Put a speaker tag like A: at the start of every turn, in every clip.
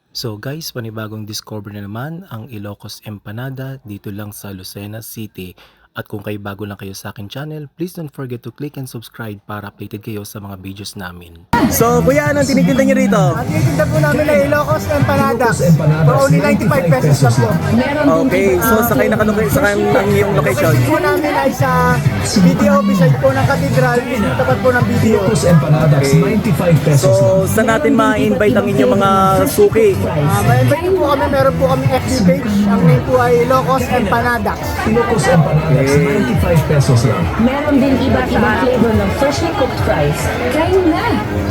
A: So guys, panibagong discover na naman ang Ilocos Empanada dito lang sa Lucena City. At kung kayo bago lang kayo sa akin channel, please don't forget to click and subscribe para updated kayo sa mga videos namin.
B: So, kuya, anong tinitinda niyo rito?
C: Ang tinitinda po namin ay Ilocos Empanadas for only 95 pesos lang po.
B: Okay, so sakay na kanong sa ang iyong location.
C: Location po namin ay sa BDO beside po ng Cathedral, tapat po ng BDO.
D: Ilocos Empanadas, 95 pesos
B: So, saan natin ma-invite ang inyong mga suki?
C: May invite po kami, meron po kami FB page. Ang name po ay Ilocos Empanadas.
D: Ilocos Empanadas, 95 pesos lang.
E: Meron din iba't ibang flavor ng freshly cooked fries. Kain na!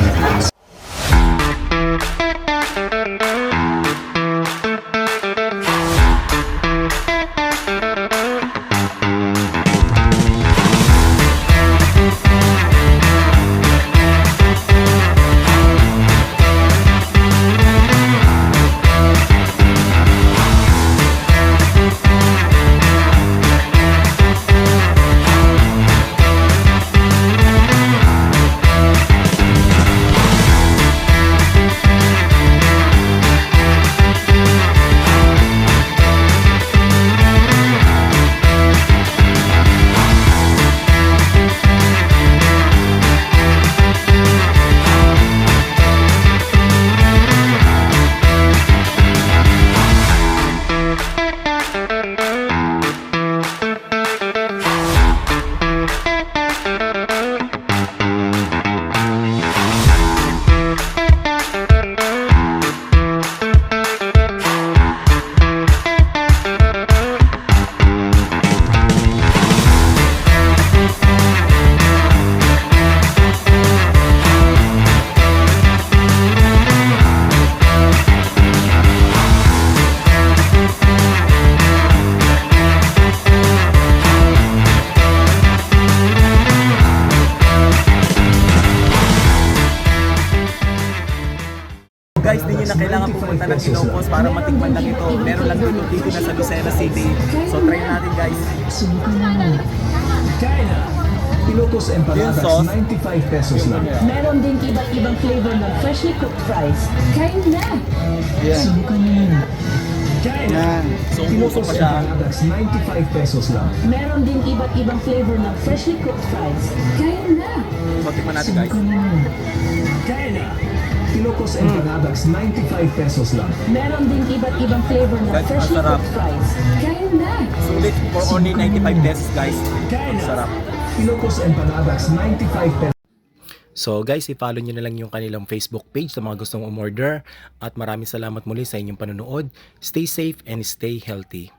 B: Guys, di nyo na kailangan pumunta ng Ilocos para matikman lang ito. Meron lang dito na sa Lucena City. So, try natin guys.
D: Ilocos Empanadas,
B: Yung sauce.
D: 95 pesos lang.
E: Meron din iba't ibang flavor ng freshly cooked fries. Kain na!
B: So, puso
D: Ilocos
B: pa siya.
D: Empanadas, 95 pesos lang.
E: Meron din iba't ibang flavor ng freshly cooked fries. Kain na!
B: So, tikman natin guys.
D: Ilocos Empanadas, 95 pesos lang.
E: Meron din iba't ibang flavor ng
B: Guys,
E: freshly
B: masarap.
E: cooked fries. Kain na!
B: Sulit for only 95 pesos guys. Ang sarap.
D: Ilocos Empanadas, 95 pesos.
A: So guys, i-follow nyo na lang yung kanilang Facebook page sa mga gustong umorder. At maraming salamat muli sa inyong panonood. Stay safe and stay healthy.